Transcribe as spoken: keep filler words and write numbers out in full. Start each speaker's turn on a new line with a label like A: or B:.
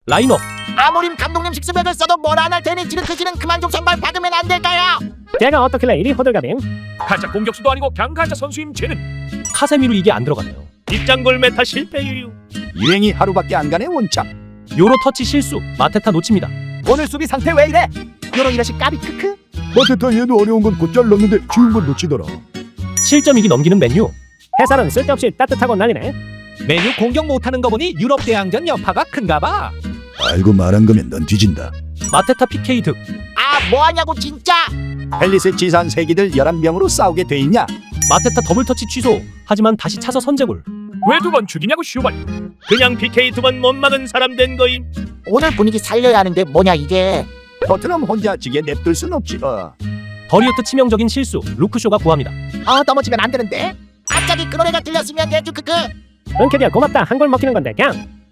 A: 라인업.
B: 아무리 감독님 식스백을 써도 뭘 안 할 테니 지르크지는 그만 좀 선발 받으면 안 될까요?
C: 제가 어떻길래 이리 호들갑임?
D: 가짜 공격수도 아니고 그냥 가짜 선수임 쟤는.
A: 카세미로 이게 안 들어가네요.
D: 입장골 메타 실패유.
E: 유행이 하루밖에 안 가네 원참.
A: 요로 터치 실수. 마테타 놓칩니다.
B: 오늘 수비 상태 왜 이래? 요런 이러시 까비 크크.
F: 마테타 얘도 어려운 건 곧잘 넣는데 쉬운 건 놓치더라.
A: 실점이기 넘기는 맨유.
C: 해설은 쓸데없이 따뜻하고 난리네.
G: 메뉴 공격 못하는 거 보니 유럽 대항전 여파가 큰가 봐.
F: 알고 말한 거면 넌 뒤진다.
A: 마테타 피케이 득.
B: 아 뭐하냐고 진짜.
E: 펠리스 지산 세기들 열한 명으로 싸우게 돼 있냐?
A: 마테타 더블 터치 취소. 하지만 다시 차서 선제골.
D: 왜 두 번 죽이냐고 슈발. 그냥 피케이 두 번 못 막은 사람 된 거임.
B: 오늘 분위기 살려야 하는데 뭐냐 이게.
E: 토트넘 혼자 지게 냅둘 순 없지. 어.
A: 더리우트 치명적인 실수. 루크쇼가 구합니다.
B: 아 넘어지면 안 되는데. 갑자기 그 노래가 들렸으면 내주 크크.
C: 은캐디야 고맙다. 한 골 먹히는 건데 그냥